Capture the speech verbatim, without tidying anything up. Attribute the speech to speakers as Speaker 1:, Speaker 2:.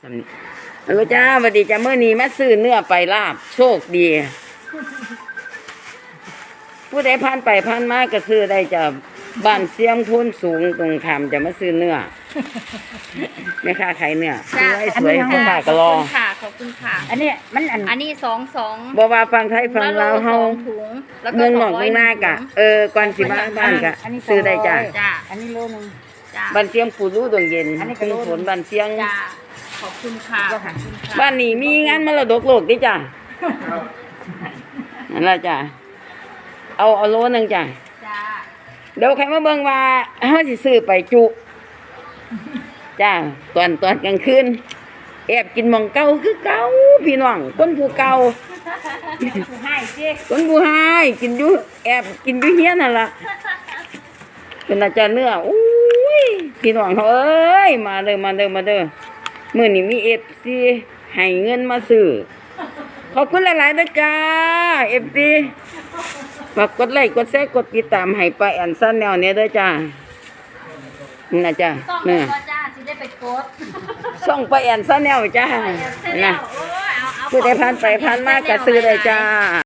Speaker 1: ทำนี่เออจ้าสวัสดีจ้าเมื่อนี้มาซื้อเนื้อไปลาบโชคดีผู้ใดผ่านไปผ่านมาก็ซื้อได้จ้าบ้านเสียงทุนสูงตรงคำจะมาซื้อเนื้อไม่ค่าขายเนื้อสวยสวยพ่อค้าก็รอ
Speaker 2: ขอบคุณค่ะขอบคุณค่ะ
Speaker 3: อันนี้มันอัน
Speaker 2: อันนี้สองสอง
Speaker 1: บ่ว่าฟังไทยฟังลาวเฮา
Speaker 2: ถุงแล้วก็
Speaker 1: เมืองหน
Speaker 2: ส
Speaker 1: อ
Speaker 2: อก งร้
Speaker 1: เมื
Speaker 2: อย
Speaker 1: องนากะเออก่อนสิมาบ้านกะซื้อได้จ้า
Speaker 2: จ้า
Speaker 3: อันนี้โลนึง
Speaker 2: จ้า
Speaker 1: บ้านเสียงปู่รู้ดวงเย็น
Speaker 3: อันนี้ก็
Speaker 1: เป็น
Speaker 3: รู้
Speaker 1: ฝนบ้านเสียง
Speaker 2: จ้าขอบคุณค่ะขอบคุณค่ะ
Speaker 1: บ้านนี้มีงานมรดกโลกดิจ้านั่นล่ะจ้าเอาเอาโลนึงจ้า
Speaker 2: จ้า
Speaker 1: เดี๋ยวใครมาเบิ่งว่าเฮาสิซื้อไปจุจ้าตอนตอนกลางคืนแอบกินหม่องเก่าคือเก่าพี่น้องคนผู้เก่า
Speaker 3: ให้เจ๊
Speaker 1: คนผู้หายกินอยู่แอบกินอยู่เฮียนนั่นล่ะเป็นอาจารย์เนื้ออุ้ยพี่น้องเอ้ยมาเด้อมาเด้อมาเด้อมื้อนี้มี เอฟ ซี ให้เงินมาซื้อขอบคุณหลายๆนะจ้า เอฟ ซี ฝากกดไลค์กดแชร์กดติดตามให้ป้าแอนซันแนวเนี่ยเด้อจ้านี่นะจ้า
Speaker 2: ต้อง
Speaker 1: เนี่ย
Speaker 2: ก็จ้าสิได้ไปกด
Speaker 1: ส่องป้าแอนซันแนวจ้า
Speaker 2: เสร็จ
Speaker 1: นะ
Speaker 2: แล้วโอ้ยเอาเอา
Speaker 1: ผู้ใดผ่านไปผ่านมาก็ซื้อได้จ้า